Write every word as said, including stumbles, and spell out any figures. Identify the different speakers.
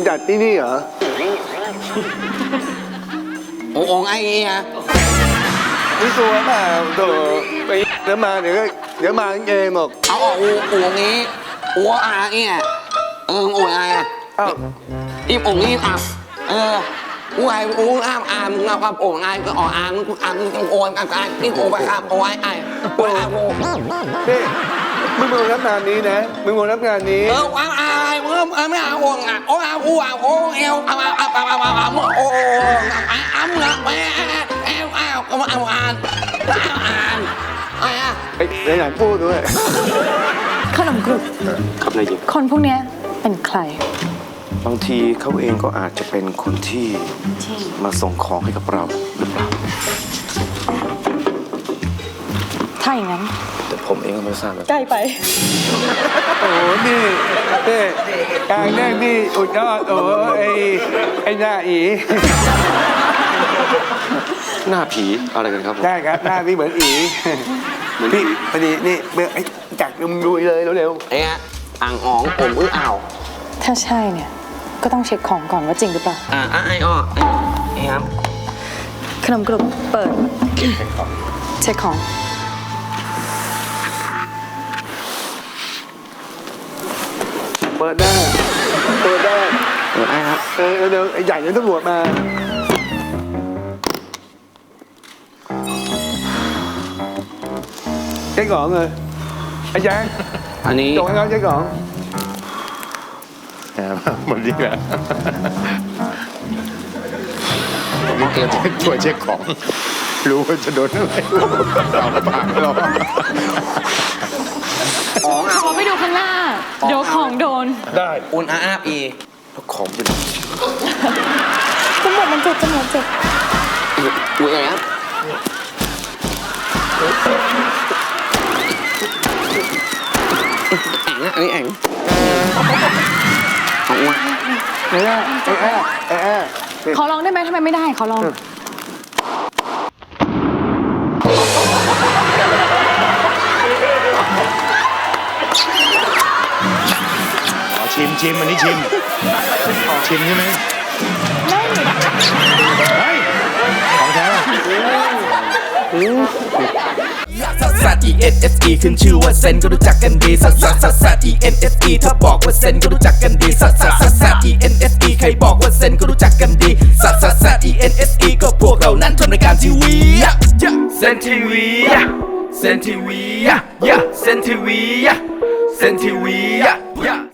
Speaker 1: จัดที่นี่เหรอ
Speaker 2: โอ่งไอ้เงี้ย
Speaker 1: นี่ตัวมาตัวไปเดี๋ยวมาเดี๋ยวก็เดี๋ยวมาเองหรอก
Speaker 2: เอาออกอูอูงี้อูอาเงี้ยเอออูไงอ่ะ
Speaker 1: อ้าว
Speaker 2: อีโอ่งนี่อ่ะเอออูไงอูอ้ามอามเงากับโอ่งไงก็ออกอามอามโอ่งกันกันนี่โอ่งไปครับโอ่งไอ้โอ่งโอ่ง
Speaker 1: นี่มึงมารับงานนี้นะมึงมารับงานนี้
Speaker 2: เออว้าวอายมึงไม่เอาโอ่งอ่ะโอ่งอาอูอ่ะโอ่งเอวเอาเอาเอาเอาเอาเอาโอ่งอ้ามเงาไปเอวเอาก็มาเอาอ่านอ่านอะไรอ่ะ
Speaker 1: ไอ้ในหนังพูดด้วย
Speaker 3: ขนมกรุบ
Speaker 4: ครับนายหญิง
Speaker 3: คนพวกนี้เป็นใคร
Speaker 4: บางทีเขาเองก็อาจจะเป็นคนที่มาส่งของให้กับเราหรือเปล่า
Speaker 3: ถ้าอย่างนั้น
Speaker 4: แต่ผมเองก็ไม่ทราบ
Speaker 3: ใกล้ไป
Speaker 1: โอ้นี่เต้การแรกนี่อุดยอดโอ้ไอ้ไอ้หน้าอี
Speaker 4: หน้าผีอะไรกันครับ
Speaker 1: ได้ครับหน้าพี่เหมือนอีพี่พอดีนี่เมื่อไอ้จักรมึงดูเลยเร็ว
Speaker 2: ๆเอ๊ะอ่างอ๋องผมอื้ออ่าว
Speaker 3: ถ้าใช่เนี่ยก็ต้องเช็คของก่อนว่าจริงหรือเปล่า
Speaker 2: อ่าไอ้อ้อไอ้ครับ
Speaker 3: ขนมกรุบเปิดเช็คของ
Speaker 1: เปิดได้เปิดได้
Speaker 2: เปิดได้ครับ
Speaker 1: เออเดี๋ยวไอ้ใหญ่เนี่ยตำรวจมาเช็คของเลยไอ้แจ๊ค
Speaker 2: อันนี้
Speaker 1: จงให้เขาเช็คของ
Speaker 4: หมดที่แล้ว
Speaker 2: โอเคผม
Speaker 4: ช่วยเช็คของรู้ว่าจะโดนอะไรเอาปากเรา
Speaker 2: ของอ่ะ
Speaker 3: ขอไปดูข้างหน้าเดี๋ยวของโดน
Speaker 4: ได้
Speaker 2: อุ่นอาอาปี
Speaker 4: แล้วของเป็น
Speaker 3: จมูกมันเจ็บจมูกเจ็บ
Speaker 2: อุ่นอะไรครับแองอ่ะอันนี้แองของอุ่น
Speaker 1: ไอ้แอ่ไอ้แอ่ไอ้แอ่
Speaker 3: ขอลองได้ไหมทำไมไม่ได้ขอลอง
Speaker 4: ชิมชิมอันนี้ชิมชิมใช่ไหม
Speaker 3: ไม่
Speaker 4: เฮ้ยของแท้
Speaker 5: ซัสซัส E N S E ขึ้นชื่อว่าเซนก็รู้จักกันดีซัสซัสซัสซัส E N S E ถ้าบอกว่าเซนก็รู้จักกันดีซัสซัสซัสซัส E N S E ใครบอกว่าเซนก็รู้จักกันดีซัสซัสซัส E N S E ก็พวกเรานั้นทำรายการทีวีเซนทีวีเซนทีวีเซนทีวีเซนทีวี